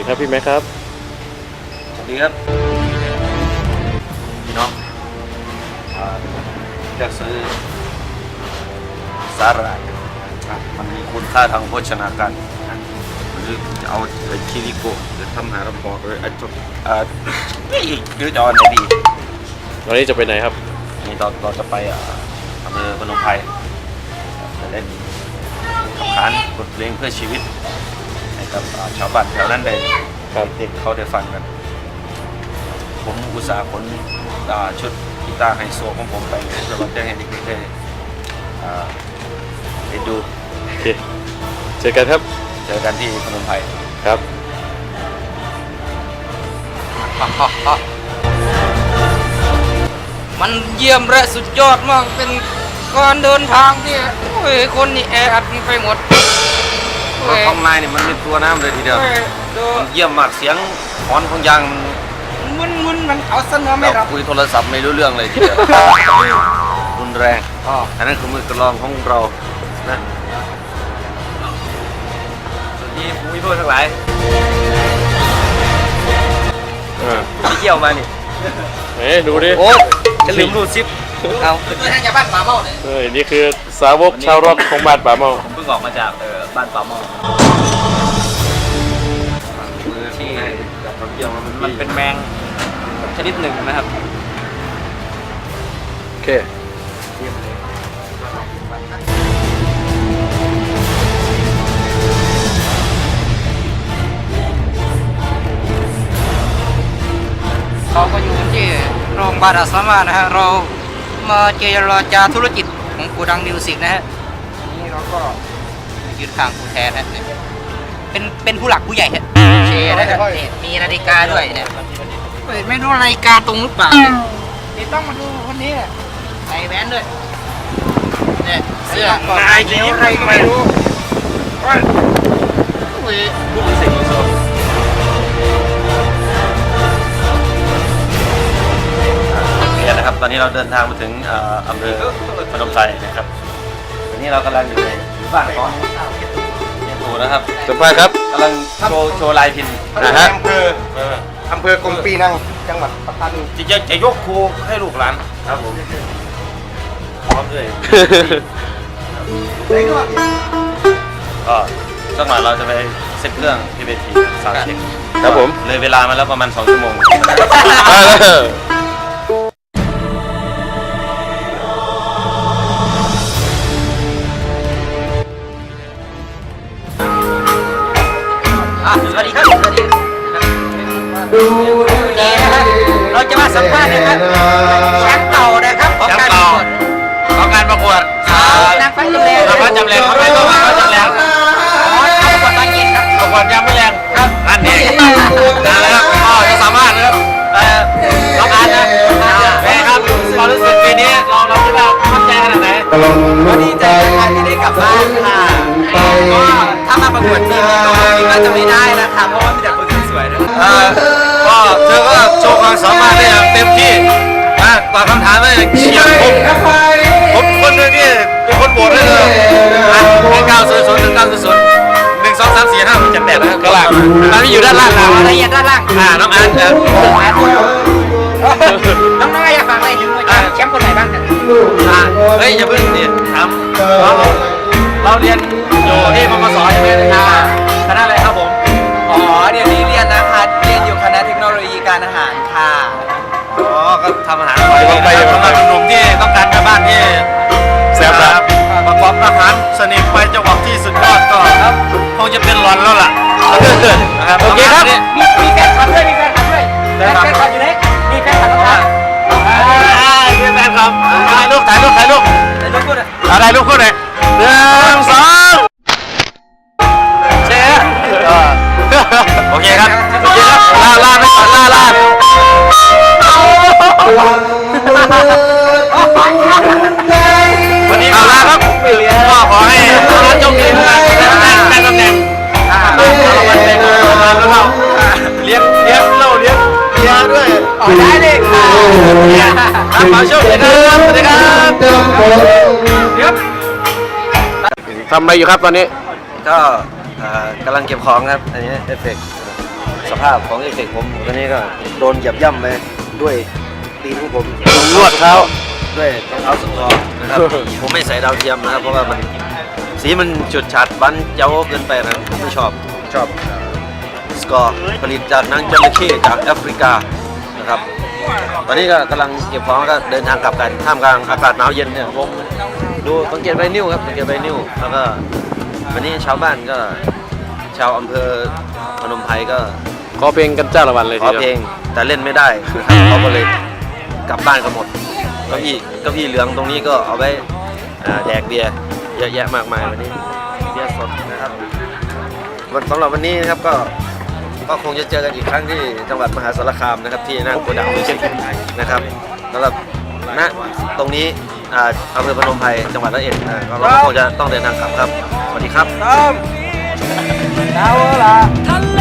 ครับพี่แม็กครับสวัสดีครับพี่น้องจะซื้อสาหร่ายมันมีคุณค่าทางโภชนาการหรือจะเอาไอ้คิริโกะหรือทำหาลำบอกเลยไอ้จุดหรือจะเอาไหนดีวันนี้จะไปไหนครับนี่เราจะไปอำเภอพนมไพรจะเล่นทำขานบทเพลงเพื่อชีวิตให้กับชาวบ้านแถวนั้นได้เด็กเขาได้ฟังกันผมอุตส่าห์ขนชุดกีตาร์ไฮโซของผมไปเพื่อจะให้เด็กๆได้ดูโอเคเจอกันครับเจอกันที่พนมไพรครับมันเยี่ยมและสุดยอดมากเป็นการเดินทางที่คนนี่แออัดไปหมดข้างในนี่มันเป็นตัวน้ำเลยทีเดียวเยี่ยมมากเสียงฮอนของยางมึนมันเอาเสนอไม่รับคุยโทรศัพท์ไม่รู้เรื่องเลยทีเดียวรุนแรงอันนั้นคือมือกลองของเรานะสวัสดีผู้มีผู้ทั้งหลายไปเที่ยวมานี่ดูดิโอ้จะลืมรูดซิปเอาคือทางบ้านป่าเมาเลยนี่คือสาวกชาวร็อกของบ้านป่าเมาผมเพิ่งออกมาจากบ้านป่าเมาที่เราเที่ยวมันเป็นแมงชนิดหนึ่งนะครับโอเคเราก็อยู่ที่โรงพยาบาลอาสามานะฮะเรามาเจรจาธุรกิจของกูดังมิวสิกนะฮะนี่เราก็ยืนข้างกูแทนนะเป็นผู้หลักผู้ใหญ่ฮะเชนะครับมีนาฬิกาด้วยเนี่ยไม่รู้นาฬิกาตรงหรือเปล่านี่ต้องมาดูคนนี้ใส่แว่นด้วยเนี่ยเสื้อนายเขียวอะไรก็ไม่รู้นะครับตอนนี้เราเดินทางมาถึงอำเภอพนมไพรนะครับตอนนี้เรากำลังอยู่ในบ้านของเฮียตู่นะครับสัมภาษณ์ครับกำลังโชว์ลายพินอำเภอกรมปีนังจังหวัดปัตตานีจะยกครูให้ลูกหลานครับผมพร้อมด้วยก็สักหน่อยเราจะไปเซ็ตเครื่องที่เวทีซาวด์เช็คครับผมเลยเวลามาแล้วประมาณ2 ชั่วโมงสวัสดีครับสวัสดีเราจะมาสัมภาษณ์นะครับแชมป์เก่านะครับของการประกวดนางฟ้าจำแรงนางฟ้าจำแรงเขาไม่ต้องมาเขาจำแรงประกวดตอนเย็นครับประกวดยังไม่แรงครับอันนี้นะครับก็จะสามารถนะครับน้องอันนะเป็นครับความรู้สึกปีนี้เราคิดว่ามั่นใจขนาดไหนก็ดีใจนะครับที่ได้กลับบ้านค่ะก็ถ้ามาประกวดทีนี้ก็จะไม่ได้นะครับเพราะว่ามีแต่คนสวยๆนะก็เธอก็โชว์ความสามารถได้อย่างเต็มที่นะตอบคำถามได้อย่างเฉียบผมคนหนึ่งนี่เป็นคนโหวตให้เลย900 ถึง 900 1 2 3 4 5 6 7 8นะครับข้างล่างตอนนี้อยู่ด้านล่างละเอียดด้านล่างน้องอันน้องอยากฟังอะไรถึงแชมป์คนไหนบ้างเฮ้ยอย่าเพิ่งเนี่ยถามเราเรียนอยู่ที่มกสใช่ไหมคณะอะไรครับผมเดี๋ยวนี้เรียนนะคะเรียนอยู่คณะเทคโนโลยีการอาหารค่ะก็ทำอาหารไปสำหรับหนุ่มที่ต้องการการบ้านที่แซ่บครับประกอบอาหารสนิทไปจังหวะที่สุดยอดก็ครับคงจะเป็นหลอนแล้วล่ะโอเคครับมีแฟนคลับด้วยมีแฟนคลับด้วยแฟนคลับอยู่ไหนมีแฟนคลับด้วยมีแฟนคลับถ่ายรูปอะไรลูกคู่ไหน1 2เจ๊โอเคครับลาไปก่อนลาวันนี้ลาครับก็ขอให้ร้านโชคดีนะครับได้ตำแหน่งเราวันเป็นมาแล้วเราเลี้ยงเราเลี้ยงด้วยได้เลยค่ะขอโชคดีครับสวัสดีครับทำอะไรอยู่ครับตอนนี้ก็กำลังเก็บของครับอันนี้เอฟเฟกต์สภาพของเอฟเฟกต์ผมตอนนี้ก็โดนเหยียบย่ำไปด้วยตีนของผมนวดเท้าด้วยรองเท้าสุดทองนะครับ ผมไม่ใส่ดาวเทียมนะครับเพราะว่ามันสีมันจุดฉาดบันเย้าเกินไปนะครับผมไม่ชอบสกอร์ผลิตจากหนังจระเข้จากแอฟริกานะครับตอนนี้ก็กำลังเก็บของก็เดินทางกลับกันท่ามกลางอากาศหนาวเย็นเนี่ยผมดูสังเกตใบนิ้วครับสังเกตใบนิ้วแล้วก็วันนี้ชาวบ้านก็ชาวอำเภอพนมไพรก็ขอเพลงกันจ้าละวันเลยขทีอเดียวเพลงแต่เล่นไม่ได้นะครับเขาก็เลยกลับบ้านกันหมดเก้าอี้เหลืองตรงนี้ก็เอาไว้แดกเบียร์เยอะแยะมากมายวันนี้เบียร์สดนะครับสำหรับวันนี้นะครับก็คงจะเจอกันอีกครั้งที่จังหวัดมหาสารคามนะครับที่หน้าโกดังมิวสิกนะครับสำหรับณตรงนี้อำเภอพนมไพรจังหวัดร้อยเอ็ดเราก็คงจะต้องเดินทางกลับครับสวัสดีครับดาวละ